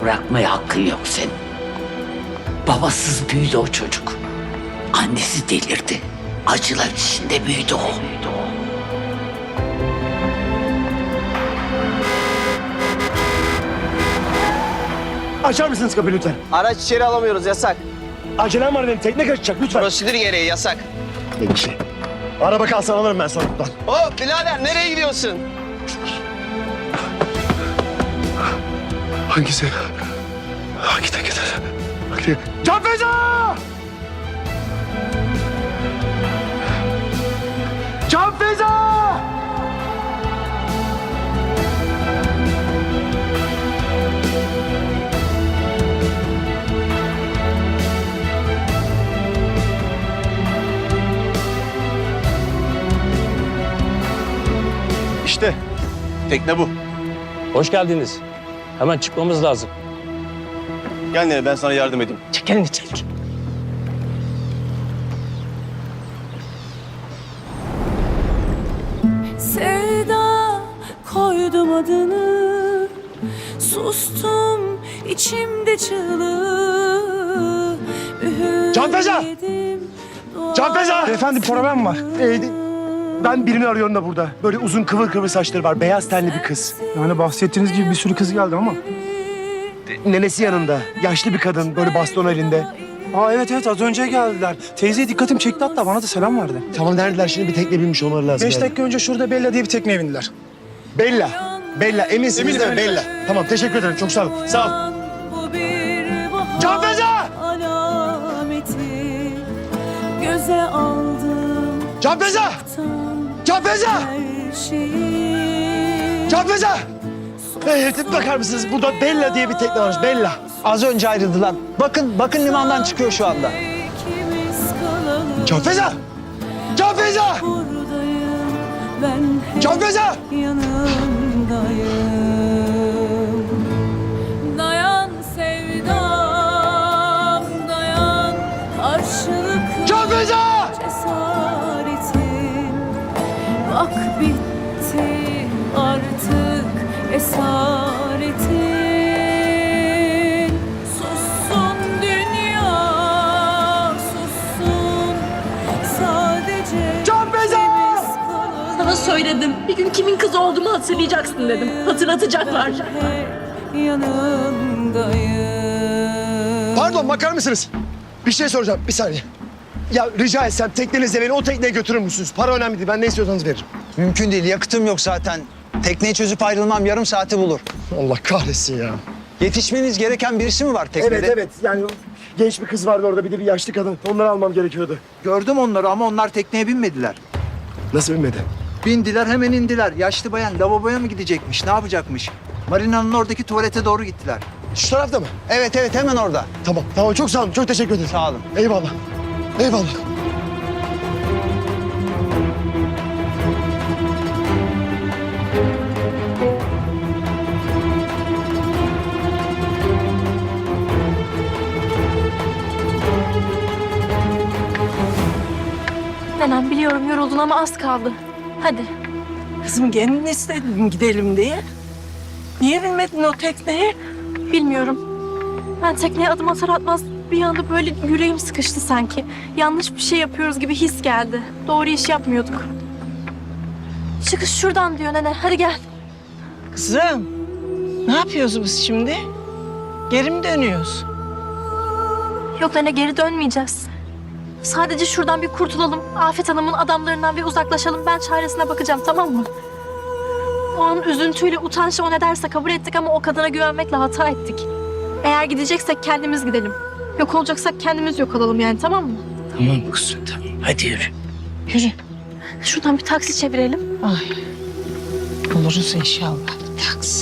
bırakmaya hakkın yok senin. Babasız büyüdü o çocuk. Annesi delirdi. Acılar içinde büyüdü o. Açar mısınız kapıyı lütfen? Araç içeri alamıyoruz, yasak. Acelem var benim. Tekne kaçacak lütfen. Prosedür gereği yasak. Peki. Araba kalsın alırım ben sonra buradan. Hop birader, nereye gidiyorsun? Hangisi? Hangi teknedir? Can Feza! Can Feza! İşte tekne bu. Hoş geldiniz. Hemen çıkmamız lazım. Gel Nene, ben sana yardım edeyim. Çek elini çek. Sevda koydum adını, sustum içimde çığlığı. Can Feza! Can Feza! Efendim problem var. Ben birini arıyorum da burada. Böyle uzun kıvır kıvır saçları var. Beyaz tenli bir kız. Yani bahsettiğiniz gibi bir sürü kız geldi ama. Nenesi yanında. Yaşlı bir kadın. Böyle baston elinde. Aa evet az önce geldiler. Teyzeye dikkatim çekti hatta bana da selam verdi. Tamam neredeler şimdi? Bir tekne binmiş olmaları lazım. 5 yani. dakika önce şurada Bella diye bir tekneye bindiler. Bella. Bella. Eminsiniz değil mi? Bella. Tamam teşekkür ederim. Çok sağ olun. Sağ ol. Bu bir bahar Can Feza! alameti, göze aldım Can Feza! tam Can Feza! her şeyi. Can Feza! Bakar mısınız? Burada Bella diye bir tekne varmış. Bella. Az önce ayrıldılar. Bakın limandan çıkıyor şu anda. İkimiz kalalım. Can Feza! Can Feza! Buradayım ben, hep Can Feza! yanındayım. Dayan sevdam, dayan karşılıklı Can Feza! cesaretin. Bak bitti artık esaretin. Sussun dünya, sussun sadece Can Feza! biz kalalım. Sana söyledim. Bir gün kimin kızı olduğumu hatırlayacaksın dedim. Hatırlatacaklar. Hep yanındayım. Pardon bakar mısınız? Bir şey soracağım. Bir saniye. Ya rica etsem teknenizle beni o tekneye götürür müsünüz? Para önemli değil. Ben ne istiyorsanız veririm. Mümkün değil, yakıtım yok zaten. Tekneyi çözüp ayrılmam yarım saati bulur. Allah kahretsin ya. Yetişmeniz gereken birisi mi var teknede? Evet. Yani genç bir kız vardı orada. Bir de bir yaşlı kadın. Onları almam gerekiyordu. Gördüm onları ama onlar tekneye binmediler. Nasıl binmedi? Bindiler hemen indiler. Yaşlı bayan lavaboya mı gidecekmiş, ne yapacakmış? Marina'nın oradaki tuvalete doğru gittiler. Şu tarafta mı? Evet hemen orada. Tamam çok sağ olun. Çok teşekkür ederim. Sağ olun. Eyvallah. Nenem biliyorum yoruldun ama az kaldı. Hadi. Kızım kendin istedin gidelim diye. Niye binmedin o tekneye? Bilmiyorum. Ben tekneye adım atar atmaz bir anda böyle yüreğim sıkıştı sanki. Yanlış bir şey yapıyoruz gibi his geldi. Doğru iş yapmıyorduk. Çıkış şuradan diyor nene. Hadi gel. Kızım, ne yapıyoruz biz şimdi? Geri mi dönüyoruz? Yok nene geri dönmeyeceğiz. Sadece şuradan bir kurtulalım. Afet Hanım'ın adamlarından bir uzaklaşalım. Ben çaresine bakacağım tamam mı? O an üzüntüyle utançla o ne derse kabul ettik ama o kadına güvenmekle hata ettik. Eğer gideceksek kendimiz gidelim. Yok olacaksak kendimiz yok olalım yani tamam mı? Tamam kızım tamam. Hadi yürü. Yürü. Şuradan bir taksi çevirelim. Ay, buluruz inşallah taksi.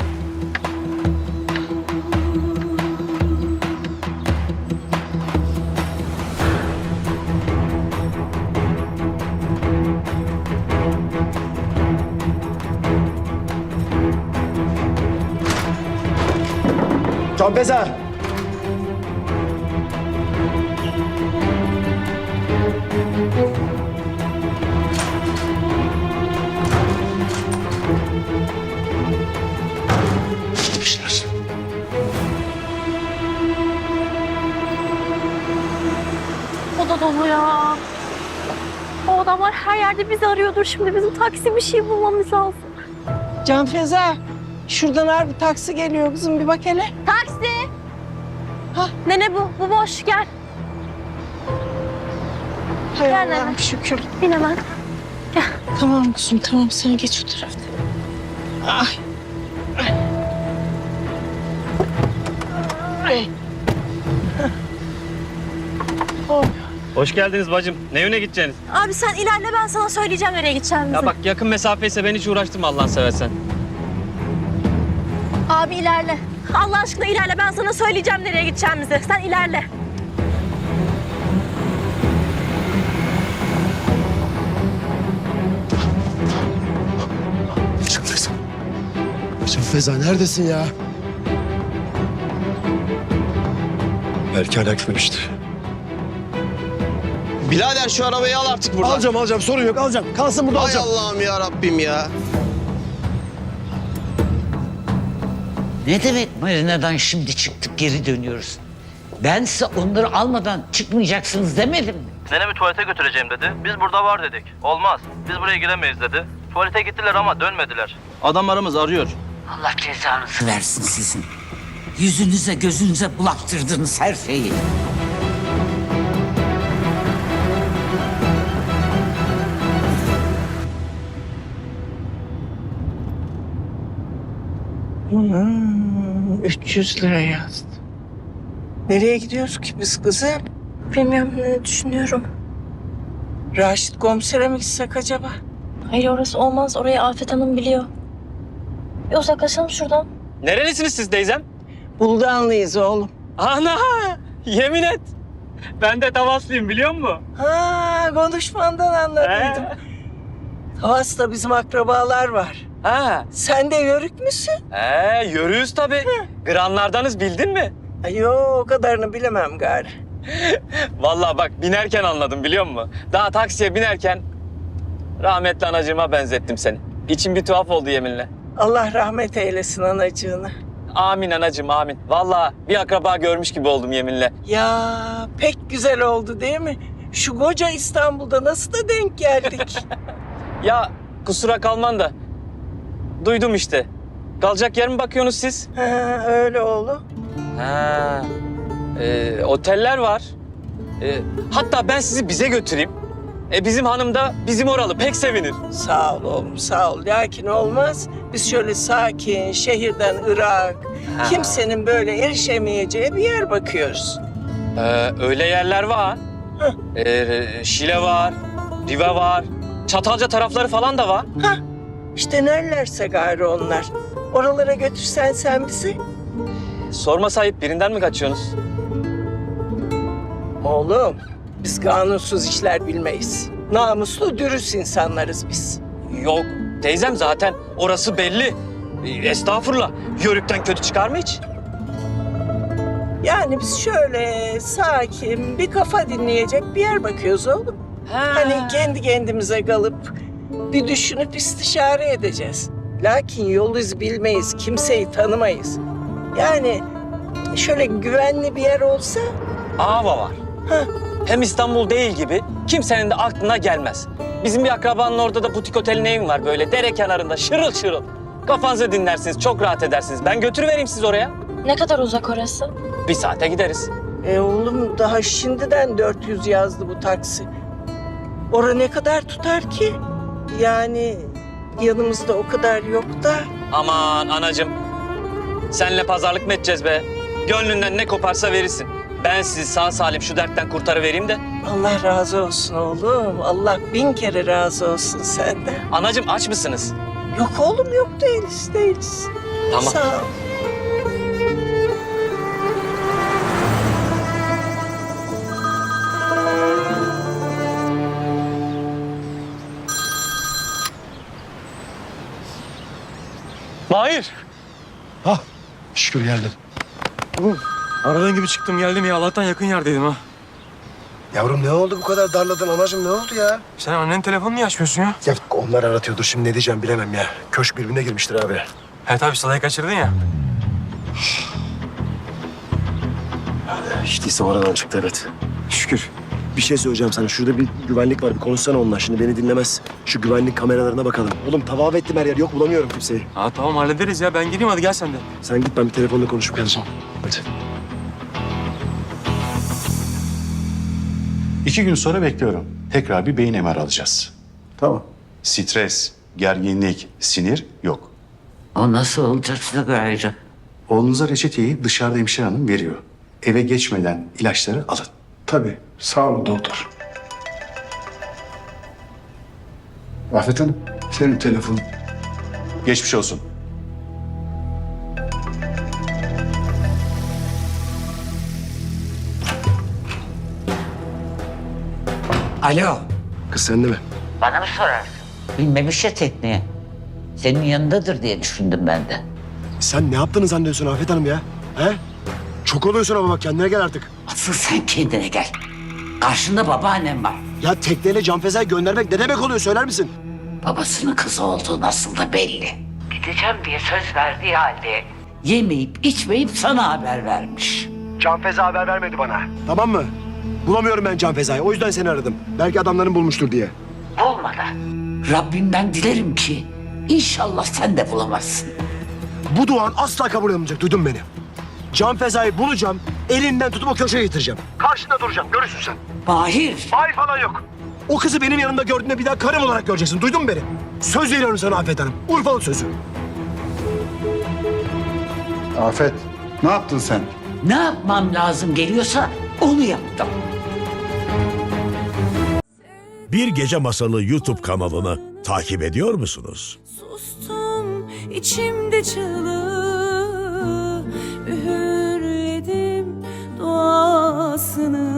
Can Feza! Gitmişler. da dolu ya. O adamlar her yerde bizi arıyordur. Şimdi bizim taksi bir şey bulmamız lazım. Can Feza, şuradan harbi taksi geliyor kızım, bir bak hele. Taksi! Nene bu. Bu boş. Gel. Hay Gel Allah'ım nene. şükür. Bin hemen. Tamam kızım, tamam. Sen geç o tarafta. Ay. Ay. Oh. Hoş geldiniz bacım. Ne yöne gideceksiniz? Abi sen ilerle, ben sana söyleyeceğim nereye gideceğimizi. Ya bak yakın mesafeyse ben hiç uğraştırma Allah'ını seversen. Abi ilerle. Allah aşkına ilerle, ben sana söyleyeceğim nereye gideceğimizi. Sen ilerle. Can Feza. Can Feza neredesin ya? Belki hala gitmemiştir. Birader şu arabayı al artık buradan. Alacağım sorun yok alacağım. Kalsın burada Hay alacağım. Allah'ım ya Rabbim ya. Ne demek marinadan şimdi çıktık geri dönüyoruz? Ben size onları almadan çıkmayacaksınız demedim mi? Nenemi tuvalete götüreceğim dedi. Biz burada var dedik. Olmaz. Biz buraya giremeyiz dedi. Tuvalete gittiler ama dönmediler. Adamlarımız arıyor. Allah cezanızı versin sizin. Yüzünüze gözünüze bulaktırdınız her şeyi. Hmm, 300 lira yazdı. Nereye gidiyoruz ki biz kızım? Bilmiyorum, ne düşünüyorum. Raşit komisere mi gitsek acaba? Hayır, orası olmaz. Orayı Afet Hanım biliyor. Bir uzaklaşalım şuradan. Nerelisiniz siz teyzem? Buldanlıyız oğlum. Ana! Yemin et. Ben de Tavaslıyım biliyor musun? Ha, konuşmandan anladıydım. Havas'ta bizim akrabalar var. Ha. Sen de yörük müsün? Yürüyüz tabii. Granlardanız bildin mi? Ay, yo, o kadarını bilemem gari. Vallahi bak binerken anladım biliyor musun? Daha taksiye binerken rahmetli anacığıma benzettim seni. İçim bir tuhaf oldu yeminle. Allah rahmet eylesin anacığını. Amin anacığım amin. Vallahi bir akraba görmüş gibi oldum yeminle. Ya pek güzel oldu değil mi? Şu koca İstanbul'da nasıl da denk geldik. Ya kusura kalman da duydum işte. Kalacak yer mi bakıyorsunuz siz? Ha, öyle oğlum. Ha. Oteller var. Hatta ben sizi bize götüreyim. Bizim hanım da bizim oralı pek sevinir. Sağ ol oğlum, sağ ol. Lakin olmaz. Biz şöyle sakin, şehirden ırak, kimsenin böyle erişemeyeceği bir yer bakıyoruz. Öyle yerler var. Şile var, Rive var, Çatalca tarafları falan da var. İşte nerelerse gayrı onlar. Oralara götürsen sen bizi. Sorma sahip birinden mi kaçıyorsunuz? Oğlum, biz kanunsuz işler bilmeyiz. Namuslu, dürüst insanlarız biz. Yok teyzem zaten orası belli. Estağfurullah. Yörükten kötü çıkar mı hiç? Yani biz şöyle sakin, bir kafa dinleyecek bir yer bakıyoruz oğlum. Hani kendi kendimize kalıp bir düşünüp istişare edeceğiz. Lakin yol iz bilmeyiz, kimseyi tanımayız. Yani şöyle güvenli bir yer olsa... Ava var. Hem İstanbul değil gibi kimsenin de aklına gelmez. Bizim bir akrabanın orada da butik otelin evim var böyle dere kenarında şırıl şırıl. Kafanızı dinlersiniz, çok rahat edersiniz. Ben götürüvereyim siz oraya. Ne kadar uzak orası? 1 saate gideriz. Oğlum daha şimdiden 400 yazdı bu taksi. Ora ne kadar tutar ki? Yani yanımızda o kadar yok da. Aman anacığım. Senle pazarlık mı edeceğiz be? Gönlünden ne koparsa verirsin. Ben sizi sağ salim şu dertten kurtarıvereyim de. Allah razı olsun oğlum. Allah 1000 kere razı olsun senden. Anacığım aç mısınız? Yok oğlum yok, değiliz. Tamam. Sağ ol. Mahir. Şükür geldin. Aradan gibi çıktım geldim ya. Allah'tan yakın yerdeydim ha. Yavrum ne oldu bu kadar darladın anacığım ne oldu ya? Sen annenin telefonunu niye açmıyorsun ya? Ya onlar aratıyordur şimdi ne diyeceğim bilemem ya. Köşk birbirine girmiştir abi. He tabii Sıla'yı kaçırdın ya. Hiç değilse oradan çıktı evet. Şükür. Bir şey söyleyeceğim sana. Şurada bir güvenlik var. Bir konuşsana onunla. Şimdi beni dinlemez. Şu güvenlik kameralarına bakalım. Oğlum tavaf ettim her yer. Yok bulamıyorum kimseyi. Ha tamam hallederiz ya. Ben geleyim hadi gel sen de. Sen git ben bir telefonla konuşup geleceğim. Hadi. 2 gün sonra bekliyorum. Tekrar bir beyin MR alacağız. Tamam. Stres, gerginlik, sinir yok. O nasıl olacaksa gayrı. Oğlunuza reçeteyi dışarıda hemşire hanım veriyor. Eve geçmeden ilaçları alın. Tabii. Sağ olun doktor. Afet Hanım, senin telefonun. Geçmiş olsun. Alo. Kız sende mi? Bana mı sorarsın? Bilmemiş ya tekneye. Senin yanındadır diye düşündüm ben de. Sen ne yaptığını zannediyorsun Afet Hanım ya? He? Çok oluyorsun ama bak kendine gel artık. Asıl sen kendine gel. Karşında babaannem var. Ya tekneyle Canfeza'yı göndermek ne demek oluyor söyler misin? Babasının kızı olduğu nasıl da belli. Gideceğim diye söz verdiği halde yemeyip içmeyip sana haber vermiş. Canfeza haber vermedi bana. Tamam mı? Bulamıyorum ben Canfeza'yı. O yüzden seni aradım. Belki adamların bulmuştur diye. Olmadı. Rabbimden dilerim ki inşallah sen de bulamazsın. Bu duan asla kabul olmayacak. Duydun beni. Canfeza'yı bulacağım. Elinden tutup o köşeye getireceğim. Karşında duracağım. Görürsün sen. Mahir. Hayır falan yok. O kızı benim yanımda gördüğünde bir daha karım olarak göreceksin. Duydun mu beni? Söz veriyorum sana Afet Hanım. Urfalı sözü. Afet, ne yaptın sen? Ne yapmam lazım geliyorsa onu yaptım. Bir Gece Masalı YouTube kanalını takip ediyor musunuz? Sustum içimde çığlığı, üğürledim duasını.